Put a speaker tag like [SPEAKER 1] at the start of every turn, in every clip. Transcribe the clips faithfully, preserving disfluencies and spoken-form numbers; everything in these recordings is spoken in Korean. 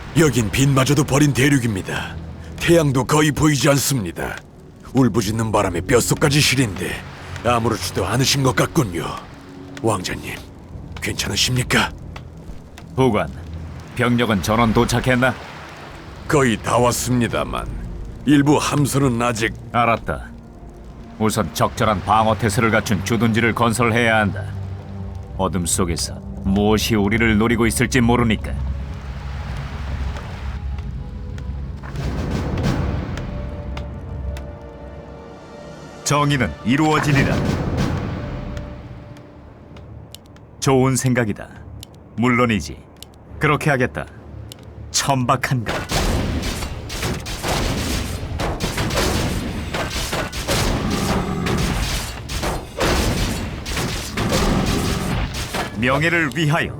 [SPEAKER 1] 여긴 빛마저도 버린 대륙입니다. 태양도 거의 보이지 않습니다. 울부짖는 바람에 뼛속까지 시린데 아무렇지도 않으신 것 같군요. 왕자님, 괜찮으십니까?
[SPEAKER 2] 보관, 병력은 전원 도착했나?
[SPEAKER 1] 거의 다 왔습니다만 일부 함선은 아직...
[SPEAKER 2] 알았다. 우선 적절한 방어 태세를 갖춘 주둔지를 건설해야 한다. 어둠 속에서 무엇이 우리를 노리고 있을지 모르니까. 정의는 이루어지리라. 좋은 생각이다. 물론이지. 그렇게 하겠다. 천박한가? 명예를 위하여.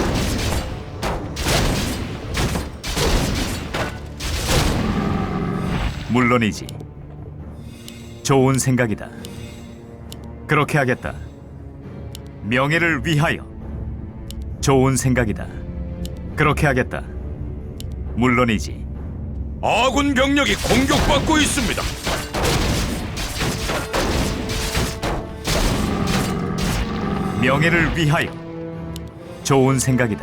[SPEAKER 2] 물론이지. 좋은 생각이다. 그렇게 하겠다. 명예를 위하여. 좋은 생각이다. 그렇게 하겠다. 물론이지.
[SPEAKER 1] 아군 병력이 공격받고 있습니다.
[SPEAKER 2] 명예를 위하여. 좋은 생각이다.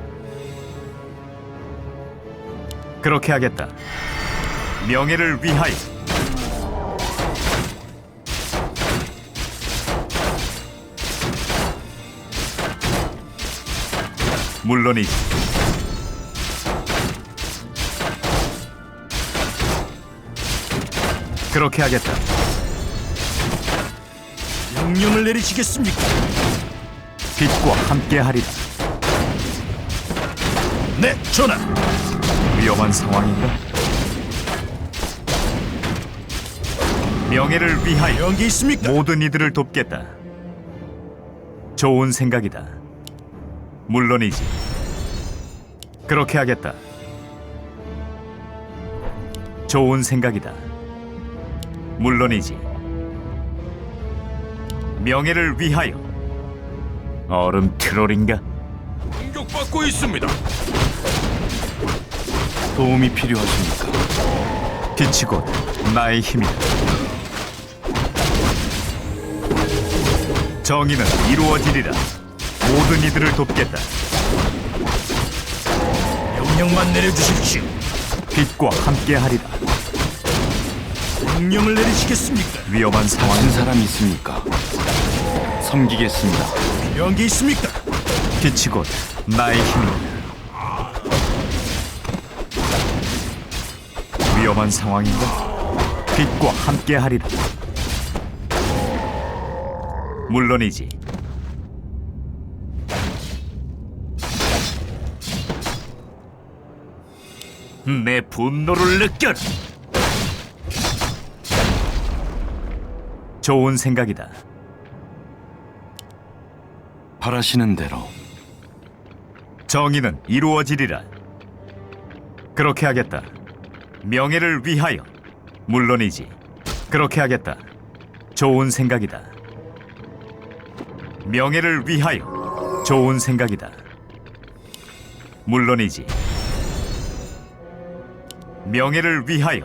[SPEAKER 2] 그렇게 하겠다. 명예를 위하여. 물론이지. 그렇게 하겠다.
[SPEAKER 1] 명령을 내리시겠습니까?
[SPEAKER 2] 빛과 함께하리라.
[SPEAKER 1] 네, 전하.
[SPEAKER 2] 위험한 상황인가? 명예를 위하여.
[SPEAKER 1] 연기 있습니까?
[SPEAKER 2] 모든 이들을 돕겠다. 좋은 생각이다. 물론이지. 그렇게 하겠다. 좋은 생각이다. 물론이지. 명예를 위하여. 얼음 트롤인가?
[SPEAKER 1] 공격받고 있습니다.
[SPEAKER 2] 도움이 필요하십니까? 빛이 곧 나의 힘이다. 정의는 이루어지리라. 모든 이들을 돕겠다.
[SPEAKER 1] 명령만 내려주십시오.
[SPEAKER 2] 빛과 함께하리라.
[SPEAKER 1] 명령을 내리시겠습니까?
[SPEAKER 2] 위험한 상황.
[SPEAKER 3] 무슨 사람이 있습니까? 섬기겠습니다.
[SPEAKER 1] 연기 있습니까?
[SPEAKER 2] 빛이 곧 나의 힘이다. 위험한 상황인가? 빛과 함께하리라. 물론이지. 내 분노를 느껴라. 좋은 생각이다.
[SPEAKER 3] 바라시는 대로.
[SPEAKER 2] 정의는 이루어지리라. 그렇게 하겠다. 명예를 위하여. 물론이지. 그렇게 하겠다. 좋은 생각이다. 명예를 위하여. 좋은 생각이다. 물론이지. 명예를 위하여.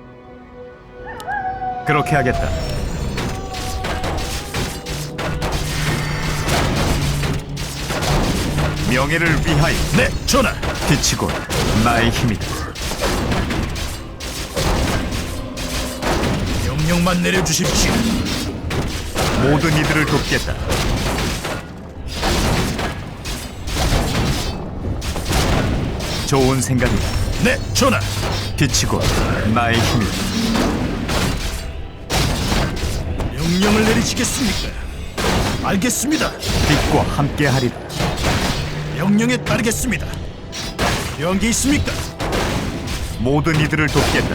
[SPEAKER 2] 그렇게 하겠다. 명예를 위하여.
[SPEAKER 1] 네, 전하.
[SPEAKER 2] 빛이 곧 나의 힘이다.
[SPEAKER 1] 명령만 내려주십시오.
[SPEAKER 2] 모든 이들을 돕겠다. 좋은 생각이다.
[SPEAKER 1] 네, 전하.
[SPEAKER 2] 빛이 곧 나의 힘이다.
[SPEAKER 1] 명령을 내리시겠습니까? 알겠습니다.
[SPEAKER 2] 빛과 함께하리라.
[SPEAKER 1] 명령에 따르겠습니다. 연기 있습니까?
[SPEAKER 2] 모든 이들을 돕겠다.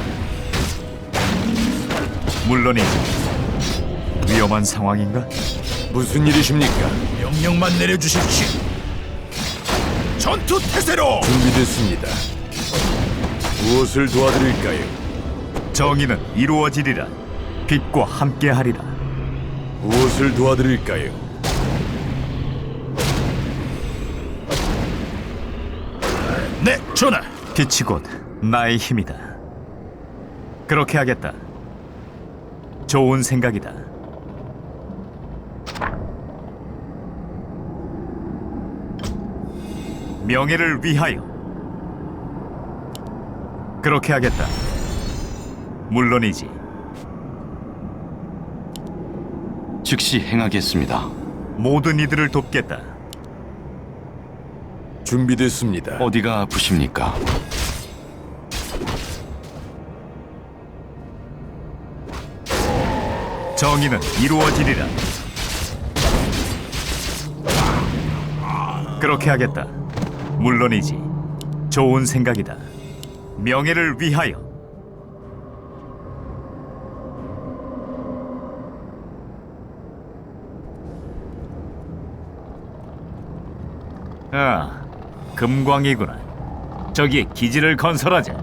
[SPEAKER 2] 물론이지. 위험한 상황인가?
[SPEAKER 1] 무슨 일이십니까? 명령만 내려주십시오. 전투 태세로! 준비됐습니다. 무엇을 도와드릴까요?
[SPEAKER 2] 정의는 이루어지리라. 빛과 함께하리라.
[SPEAKER 1] 무엇을 도와드릴까요? 네, 전하.
[SPEAKER 2] 빛이 곧 나의 힘이다. 그렇게 하겠다. 좋은 생각이다. 명예를 위하여. 그렇게 하겠다. 물론이지.
[SPEAKER 3] 즉시 행하겠습니다.
[SPEAKER 2] 모든 이들을 돕겠다.
[SPEAKER 1] 준비됐습니다.
[SPEAKER 3] 어디가 아프십니까?
[SPEAKER 2] 정의는 이루어지리라. 그렇게 하겠다. 물론이지. 좋은 생각이다. 명예를 위하여. 아, 금광이구나. 저기에 기지를 건설하자.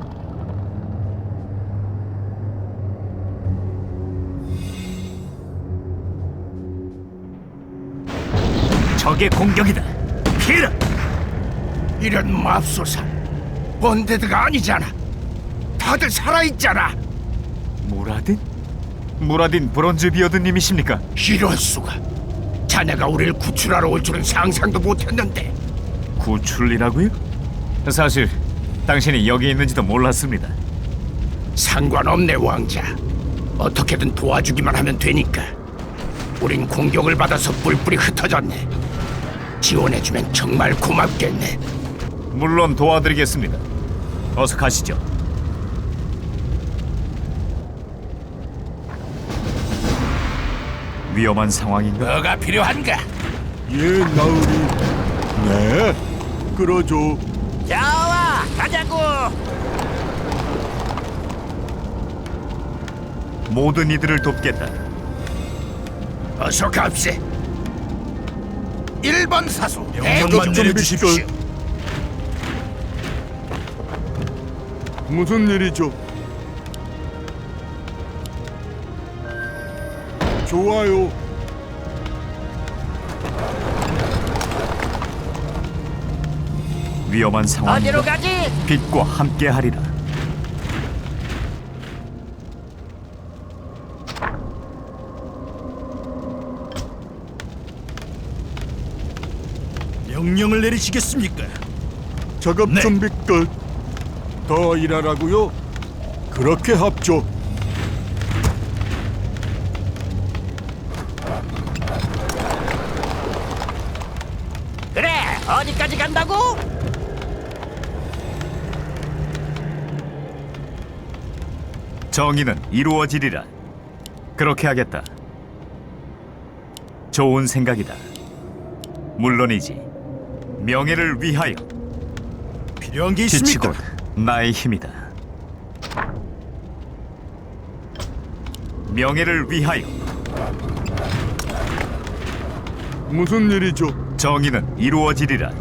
[SPEAKER 2] 적의 공격이다. 피해라.
[SPEAKER 4] 이런 맙소사, 언데드가 아니잖아. 다들 살아있잖아.
[SPEAKER 2] 무라딘? 무라딘 브론즈 비어드님이십니까?
[SPEAKER 4] 이럴 수가. 자네가 우리를 구출하러 올 줄은 상상도 못했는데.
[SPEAKER 2] 구출이라고요? 사실 당신이 여기 있는지도 몰랐습니다.
[SPEAKER 4] 상관없네, 왕자. 어떻게든 도와주기만 하면 되니까. 우린 공격을 받아서 뿔뿔이 흩어졌네. 지원해주면 정말 고맙겠네.
[SPEAKER 2] 물론 도와드리겠습니다. 어서 가시죠. 위험한 상황인가?
[SPEAKER 4] 뭐가 필요한가?
[SPEAKER 1] 예, 나으리. 네, 끌어줘.
[SPEAKER 4] 좋아, 가자고.
[SPEAKER 2] 모든 이들을 돕겠다.
[SPEAKER 4] 어서 갑세. 일 번 사수
[SPEAKER 1] 작업
[SPEAKER 4] 대기만
[SPEAKER 1] 준비
[SPEAKER 4] 내려주십시오.
[SPEAKER 1] 끝. 무슨 일이죠? 좋아요.
[SPEAKER 2] 위험한 상황인가?
[SPEAKER 4] 어디로 가지?
[SPEAKER 2] 빛과 함께하리라.
[SPEAKER 4] 명령을 내리시겠습니까?
[SPEAKER 1] 작업
[SPEAKER 4] 네.
[SPEAKER 1] 준비 끝. 더 일하라고요? 그렇게 합죠.
[SPEAKER 4] 그래, 어디까지 간다고?
[SPEAKER 2] 정의는 이루어지리라. 그렇게 하겠다. 좋은 생각이다. 물론이지. 명예를 위하여.
[SPEAKER 4] 필요한 게
[SPEAKER 2] 빛이 곧 나의 힘이다. 명예를 위하여.
[SPEAKER 1] 무슨 일이죠?
[SPEAKER 2] 정의는 이루어지리라.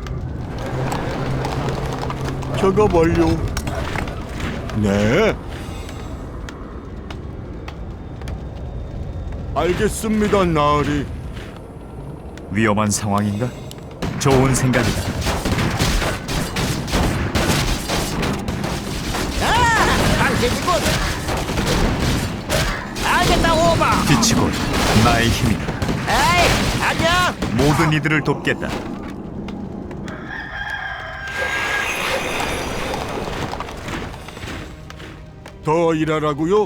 [SPEAKER 1] 작업 완료. 네. 알겠습니다, 나으리.
[SPEAKER 2] 위험한 상황인가? 좋은 생각이다.
[SPEAKER 4] 당신이군. 알겠다, 오바.
[SPEAKER 2] 빛이 곧 나의 힘이다.
[SPEAKER 4] 에이, 안녕.
[SPEAKER 2] 모든 이들을 돕겠다.
[SPEAKER 1] 더 일하라고요?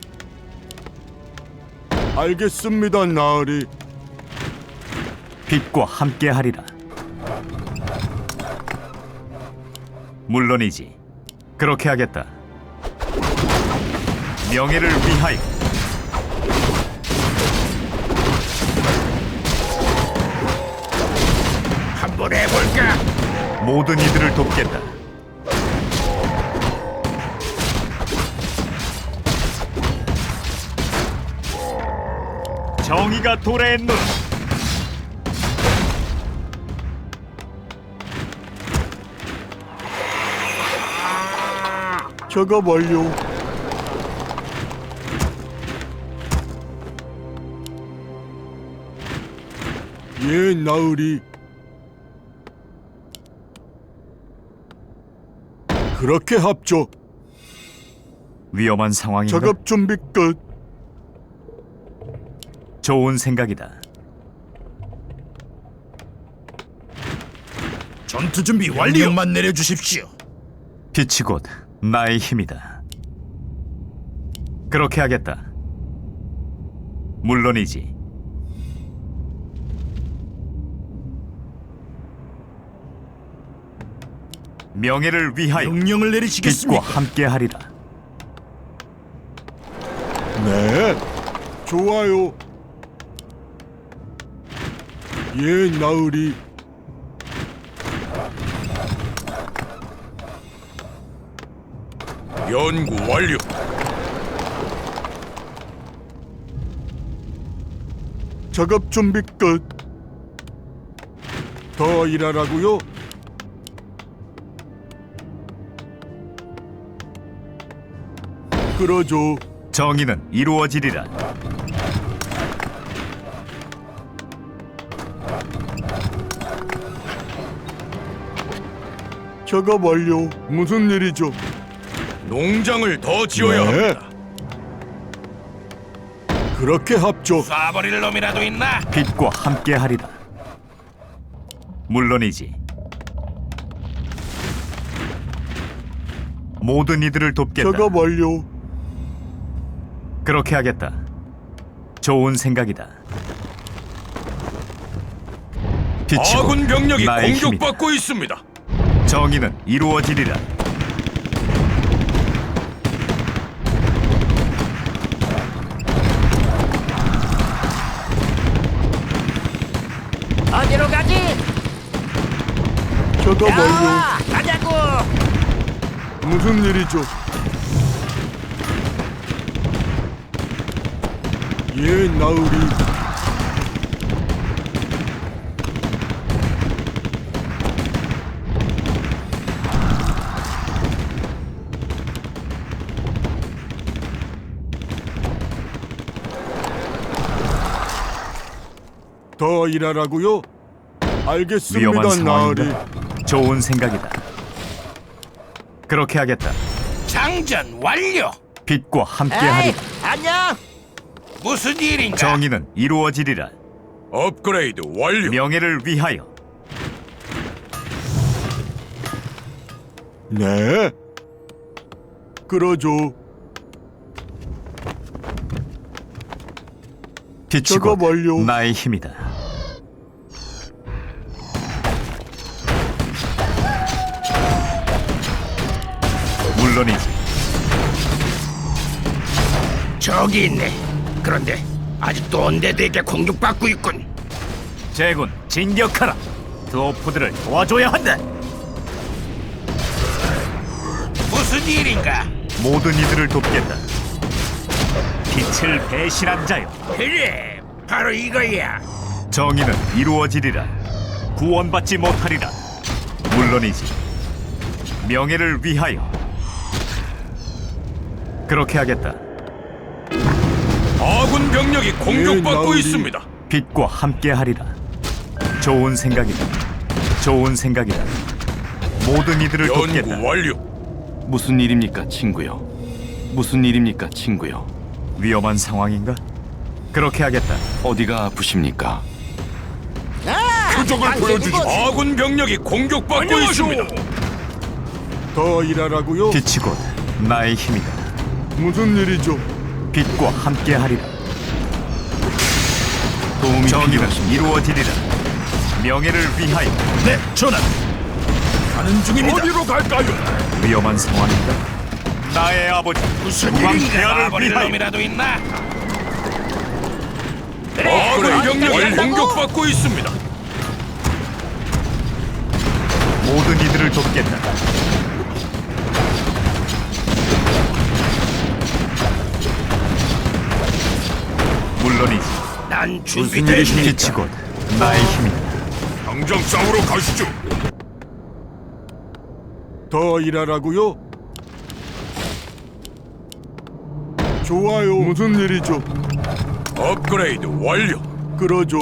[SPEAKER 1] 알겠습니다, 나으리.
[SPEAKER 2] 빛과 함께하리라. 물론이지. 그렇게 하겠다. 명예를 위하여.
[SPEAKER 4] 한번 해볼까?
[SPEAKER 2] 모든 이들을 돕겠다. 정의가 도래했노라.
[SPEAKER 1] 작업 완료. 예, 나으리.
[SPEAKER 5] 그렇게 합죠.
[SPEAKER 2] 위험한 상황인가?
[SPEAKER 5] 작업 준비 끝.
[SPEAKER 2] 좋은 생각이다.
[SPEAKER 4] 전투 준비 완료. 명령만 내려주십시오.
[SPEAKER 2] 빛이 곧 나의 힘이다. 그렇게 하겠다. 물론이지. 명예를 위하여
[SPEAKER 4] 명령을
[SPEAKER 2] 빛과
[SPEAKER 4] 내리시겠습니까?
[SPEAKER 2] 함께하리라.
[SPEAKER 5] 네, 좋아요. 예, 나으리.
[SPEAKER 1] 연구 완료.
[SPEAKER 5] 작업 준비 끝. 더 일하라고요? 그러죠.
[SPEAKER 2] 정의는 이루어지리라.
[SPEAKER 5] 작업 완료. 무슨 일이죠?
[SPEAKER 1] 농장을 더 지어야
[SPEAKER 5] 네.
[SPEAKER 1] 합니다.
[SPEAKER 5] 그렇게 합죠.
[SPEAKER 4] 쏴버릴 놈이라도 있나?
[SPEAKER 2] 빛과 함께하리라. 물론이지. 모든 이들을 돕겠다.
[SPEAKER 5] 작업 완료.
[SPEAKER 2] 그렇게 하겠다. 좋은 생각이다. 빛이 곧
[SPEAKER 1] 아군 병력이
[SPEAKER 2] 나의 힘이다.
[SPEAKER 1] 공격받고 있습니다.
[SPEAKER 2] 정의는 이루어지리라.
[SPEAKER 6] 어디로 가지?
[SPEAKER 5] 작업 완료.
[SPEAKER 6] 야, 가자고.
[SPEAKER 5] 무슨 일이죠? 예, 나으리. 더 일하라고요? 알겠습니다,
[SPEAKER 2] 위험한
[SPEAKER 5] 나으리.
[SPEAKER 2] 상황인가? 좋은 생각이다. 그렇게 하겠다.
[SPEAKER 4] 장전 완료.
[SPEAKER 2] 빛과 함께하리라.
[SPEAKER 6] 에이, 안녕.
[SPEAKER 4] 무슨 일인가?
[SPEAKER 2] 정의는 이루어지리라.
[SPEAKER 1] 업그레이드 완료.
[SPEAKER 2] 명예를 위하여.
[SPEAKER 5] 네. 그러죠.
[SPEAKER 2] 빛이
[SPEAKER 5] 작업
[SPEAKER 2] 곧
[SPEAKER 5] 완료.
[SPEAKER 2] 나의 힘이다. 물론이지.
[SPEAKER 4] 저기 있네. 그런데 아직도 언데드에게 공격받고 있군.
[SPEAKER 2] 제군 진격하라. 드워프들을 도와줘야 한다.
[SPEAKER 4] 무슨 일인가?
[SPEAKER 2] 모든 이들을 돕겠다. 빛을 배신한 자여.
[SPEAKER 4] 그래, 바로 이거야.
[SPEAKER 2] 정의는 이루어지리라. 구원받지 못하리라. 물론이지. 명예를 위하여. 그렇게 하겠다.
[SPEAKER 1] 아군 병력이 공격받고
[SPEAKER 5] 나으리.
[SPEAKER 1] 있습니다.
[SPEAKER 2] 빛과 함께하리라. 좋은 생각이다. 좋은 생각이다. 모든 이들을 돕겠다.
[SPEAKER 1] 연구 완료.
[SPEAKER 3] 무슨 일입니까, 친구요? 무슨 일입니까, 친구요?
[SPEAKER 2] 위험한 상황인가? 그렇게 하겠다.
[SPEAKER 3] 어디가 아프십니까?
[SPEAKER 6] 아,
[SPEAKER 1] 표적을 보여주십시오.
[SPEAKER 6] 당신이군.
[SPEAKER 1] 아군 병력이 공격받고 있습니다.
[SPEAKER 5] 더 일하라고요?
[SPEAKER 2] 빛이 곧 나의 힘이다.
[SPEAKER 5] 무슨 일이죠?
[SPEAKER 2] 빛과 함께하리라.
[SPEAKER 3] 도움이
[SPEAKER 2] 정의는
[SPEAKER 3] 필요하십니까?
[SPEAKER 2] 이루어지리라. 명예를 위하여.
[SPEAKER 4] 네, 전하. 가는 중입니다.
[SPEAKER 1] 어디로 갈까요?
[SPEAKER 2] 위험한 상황인가? 나의 아버지
[SPEAKER 4] 무슨
[SPEAKER 2] 국왕
[SPEAKER 4] 일인가?
[SPEAKER 2] 폐하를
[SPEAKER 4] 쏴버릴
[SPEAKER 2] 위하여.
[SPEAKER 4] 놈이라도 있나?
[SPEAKER 1] 아군 병력이 공격받고 있습니다.
[SPEAKER 2] 모든 이들을 돕겠다. 물론이지.
[SPEAKER 4] 난 준비된
[SPEAKER 2] 빛이 곧 나의 힘이다.
[SPEAKER 1] 당장 싸우러 가시죠.
[SPEAKER 5] 더 일하라고요? 좋아요. 무슨 일이죠?
[SPEAKER 1] 업그레이드 완료.
[SPEAKER 5] 그러죠.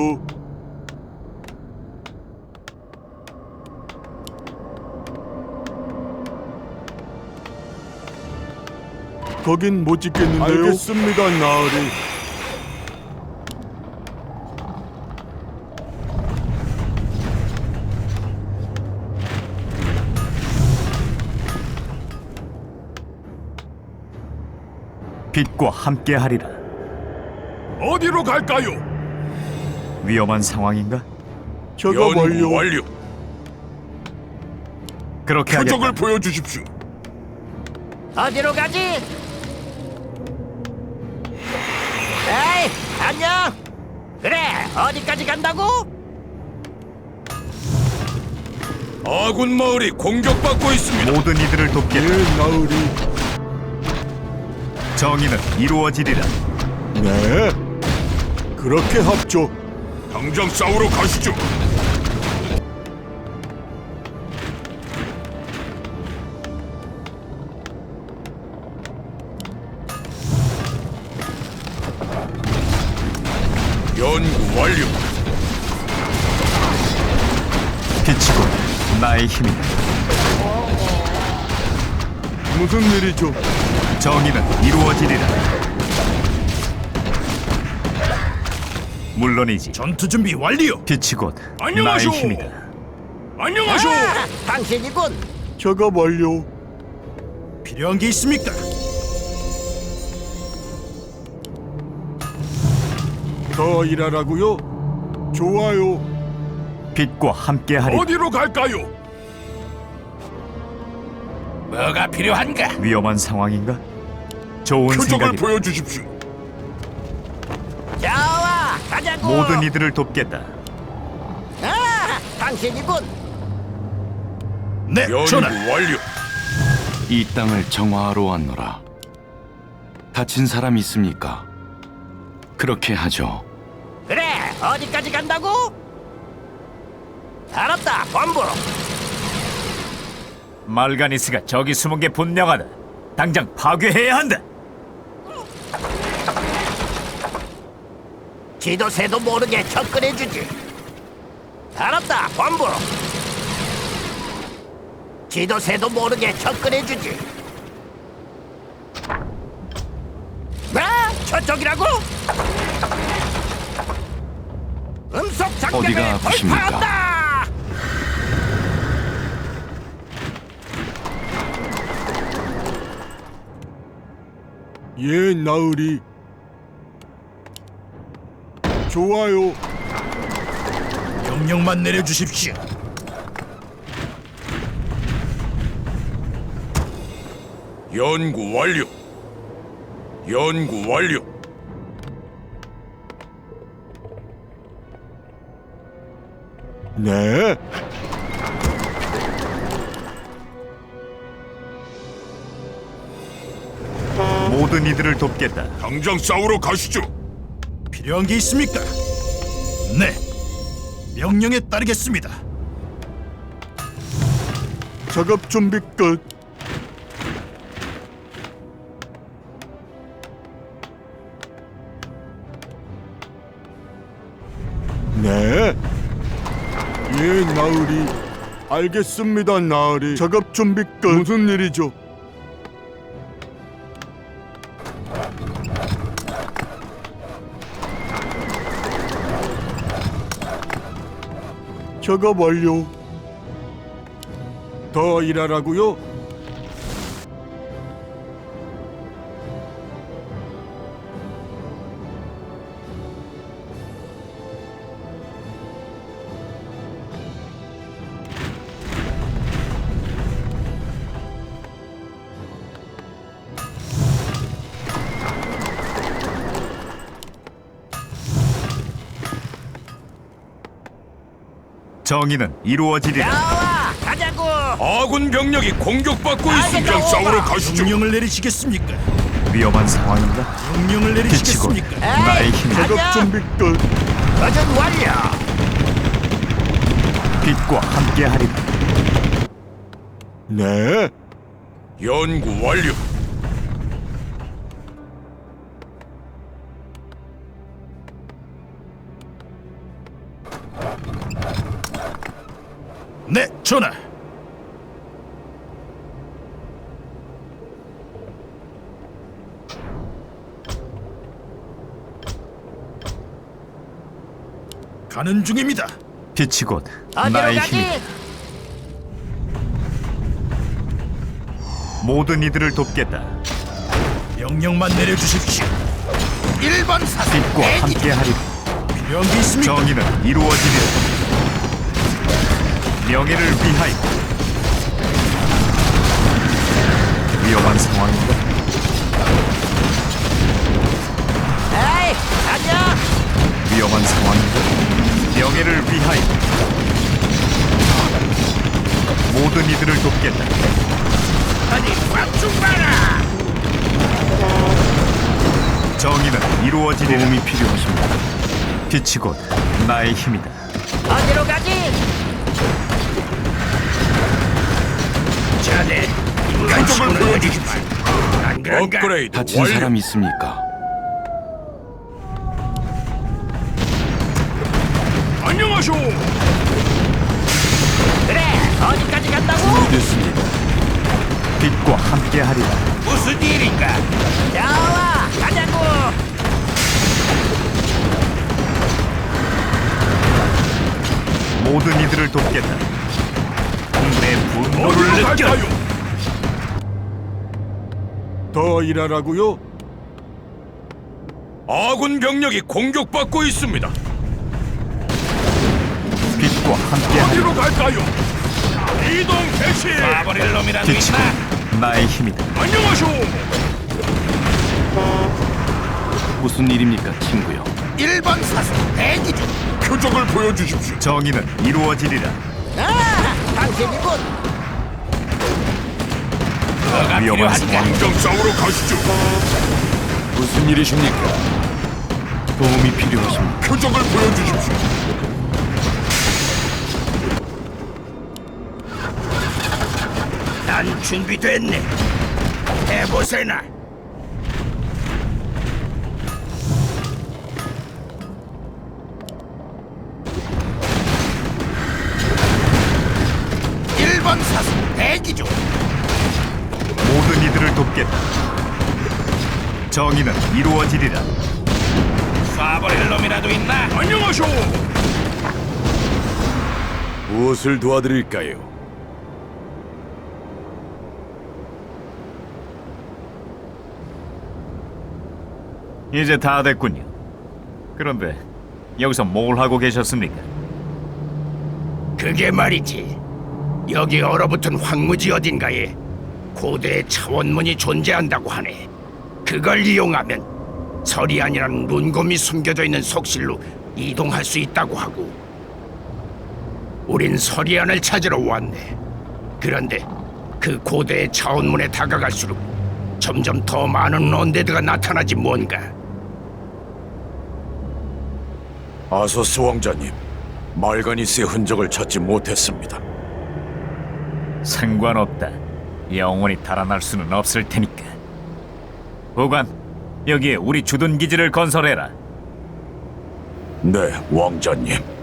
[SPEAKER 5] 거긴 못 짓겠는데요. 알겠습니다, 나으리.
[SPEAKER 2] 빛과 함께하리라.
[SPEAKER 4] 어디로 갈까요?
[SPEAKER 2] 위험한 상황인가?
[SPEAKER 5] 작업 완료.
[SPEAKER 4] 완료.
[SPEAKER 2] 그렇게 하겠다.
[SPEAKER 4] 보여주십시오.
[SPEAKER 6] 어디로 가지? 에이, 안녕. 그래, 어디까지 간다고?
[SPEAKER 4] 아군 마을이 공격받고 있습니다.
[SPEAKER 2] 모든 이들을
[SPEAKER 5] 예,
[SPEAKER 2] 돕겠다.
[SPEAKER 5] 나으리.
[SPEAKER 2] 정의는 이루어지리라.
[SPEAKER 5] 네. 그렇게 합죠.
[SPEAKER 4] 당장 싸우러 가시죠. 연구 완료.
[SPEAKER 2] 빛이고 나의 힘이다.
[SPEAKER 5] 무슨 일이죠?
[SPEAKER 2] 정의는 이루어지리라. 물론이지.
[SPEAKER 4] 전투 준비 완료.
[SPEAKER 2] 빛이 곧 나의
[SPEAKER 4] 안녕하쇼.
[SPEAKER 2] 힘이다.
[SPEAKER 4] 안녕하쇼.
[SPEAKER 6] 아, 당신이군.
[SPEAKER 5] 작업 완료.
[SPEAKER 4] 필요한 게 있습니까?
[SPEAKER 5] 더 일하라고요? 좋아요.
[SPEAKER 2] 빛과 함께하리라.
[SPEAKER 4] 어디로 갈까요? 뭐가 필요한가?
[SPEAKER 2] 위험한 상황인가? 좋은 생각이다.
[SPEAKER 4] 보여주십시오.
[SPEAKER 6] 좋아, 가자고.
[SPEAKER 2] 모든 이들을 돕겠다.
[SPEAKER 6] 아, 당신이군.
[SPEAKER 4] 네, 전하.
[SPEAKER 3] 완료. 이 땅을 정화하러 왔노라. 다친 사람 있습니까? 그렇게 하죠.
[SPEAKER 6] 그래, 어디까지 간다고? 알았다, 본부.
[SPEAKER 2] 말가니스가 저기 숨은 게 분명하다. 당장 파괴해야 한다.
[SPEAKER 6] 지도 새도 모르게 접근해주지. 알았다, 본부. 지도 새도 모르게 접근해주지. 뭐? 저쪽이라고? 음속 장벽을
[SPEAKER 3] 어디가 아프십니까?
[SPEAKER 6] 돌파한다!
[SPEAKER 5] 예, 나으리. 좋아요.
[SPEAKER 4] 명령만 내려주십시오. 연구 완료. 연구 완료.
[SPEAKER 5] 네.
[SPEAKER 2] 모든 이들을 돕겠다.
[SPEAKER 4] 당장 싸우러 가시죠. 필요한 게 있습니까? 네. 명령에 따르겠습니다.
[SPEAKER 5] 작업 준비 끝. 네. 예, 나으리. 알겠습니다, 나으리. 작업 준비 끝. 무슨 일이죠? 작업 완료. 더 일하라고요?
[SPEAKER 2] 정의는 이루어지리라.
[SPEAKER 6] 나와, 가자고.
[SPEAKER 4] 아군 병력이 공격받고
[SPEAKER 6] 있습니다.
[SPEAKER 4] 있습니다. 싸우러
[SPEAKER 6] 오바.
[SPEAKER 4] 가시죠. 명령을 내리시겠습니까?
[SPEAKER 2] 위험한 상황인가?
[SPEAKER 4] 명령을
[SPEAKER 2] 빛이 곧
[SPEAKER 4] 내리시겠습니까?
[SPEAKER 2] 나의 힘이다.
[SPEAKER 5] 작업
[SPEAKER 6] 가자.
[SPEAKER 5] 준비 끝.
[SPEAKER 6] 버전 완료.
[SPEAKER 2] 빛과 함께하리라.
[SPEAKER 5] 네.
[SPEAKER 4] 연구 완료. 네, 전하.
[SPEAKER 5] 가는 중입니다.
[SPEAKER 2] 빛이 곧
[SPEAKER 6] 어디로
[SPEAKER 2] 나의
[SPEAKER 6] 가지?
[SPEAKER 2] 힘이다. 모든 이들을 돕겠다.
[SPEAKER 5] 명령만 내려주십시오.
[SPEAKER 6] 일 번 사수
[SPEAKER 2] 빛과
[SPEAKER 6] 대기 중.
[SPEAKER 2] 함께하리라.
[SPEAKER 5] 필요한 게 있습니까?
[SPEAKER 2] 정의는 이루어지리라. 명예를 위하여. 위험한 상황인가?
[SPEAKER 6] 에이 가자.
[SPEAKER 2] 위험한 상황인가? 명예를 위하여. 모든 이들을 돕겠다.
[SPEAKER 6] 어디 꽉좀 봐라.
[SPEAKER 2] 정의는 이루어지리라.
[SPEAKER 3] 도움이 필요하십니다.
[SPEAKER 2] 빛이 곧 나의 힘이다.
[SPEAKER 6] 어디로 가지?
[SPEAKER 4] 자네 인간적을 보여주십시오. 안 그런가?
[SPEAKER 1] 업그레이드
[SPEAKER 3] 다친
[SPEAKER 1] 완료.
[SPEAKER 3] 사람 있습니까?
[SPEAKER 5] 안녕하쇼.
[SPEAKER 6] 그래 어디까지 간다고?
[SPEAKER 1] 됐습니다.
[SPEAKER 2] 빛과 함께하리라.
[SPEAKER 6] 무슨 일인가? 나와 가자고.
[SPEAKER 2] 모든 이들을 돕겠다. 내 분노를
[SPEAKER 5] 어디로
[SPEAKER 2] 느껴.
[SPEAKER 5] 갈까요? 더 일하라고요?
[SPEAKER 1] 아군 병력이 공격받고 있습니다.
[SPEAKER 2] 빛과 함께하리라.
[SPEAKER 5] 어디로 갈까요? 이동 개시.
[SPEAKER 4] 버릴 놈이라도
[SPEAKER 2] 빛이
[SPEAKER 4] 있나?
[SPEAKER 2] 곧 나의 힘이다.
[SPEAKER 5] 안녕하쇼.
[SPEAKER 3] 무슨 일입니까, 친구요?
[SPEAKER 6] 일 번 사수 대기 중.
[SPEAKER 5] 표적을 보여주십시오.
[SPEAKER 2] 정의는 이루어지리라.
[SPEAKER 6] 아 당신이군.
[SPEAKER 2] 위험한 상황.
[SPEAKER 5] 당장 싸우러 가시죠.
[SPEAKER 1] 무슨 일이십니까?
[SPEAKER 3] 도움이 필요하십니다.
[SPEAKER 5] 표적을 보여주십시오.
[SPEAKER 4] 난 준비됐네. 해보세나.
[SPEAKER 6] 일 번 사수 대기 중.
[SPEAKER 2] 모든 이들을 돕겠다. 정의는 이루어지리라.
[SPEAKER 4] 쏴버릴 놈이라도 있나?
[SPEAKER 5] 안녕하쇼.
[SPEAKER 1] 무엇을 도와드릴까요?
[SPEAKER 2] 이제 다 됐군요. 그런데 여기서 뭘 하고 계셨습니까?
[SPEAKER 4] 그게 말이지. 여기 얼어붙은 황무지 어딘가에 고대의 차원문이 존재한다고 하네. 그걸 이용하면 서리안이라는 룬곰이 숨겨져 있는 속실로 이동할 수 있다고 하고. 우린 서리안을 찾으러 왔네. 그런데 그 고대의 차원문에 다가갈수록 점점 더 많은 언데드가 나타나지 뭔가.
[SPEAKER 1] 아소스 왕자님, 말가니스의 흔적을 찾지 못했습니다.
[SPEAKER 2] 상관없다. 영원히 달아날 수는 없을 테니까. 보관, 여기에 우리 주둔 기지를 건설해라.
[SPEAKER 1] 네, 왕자님.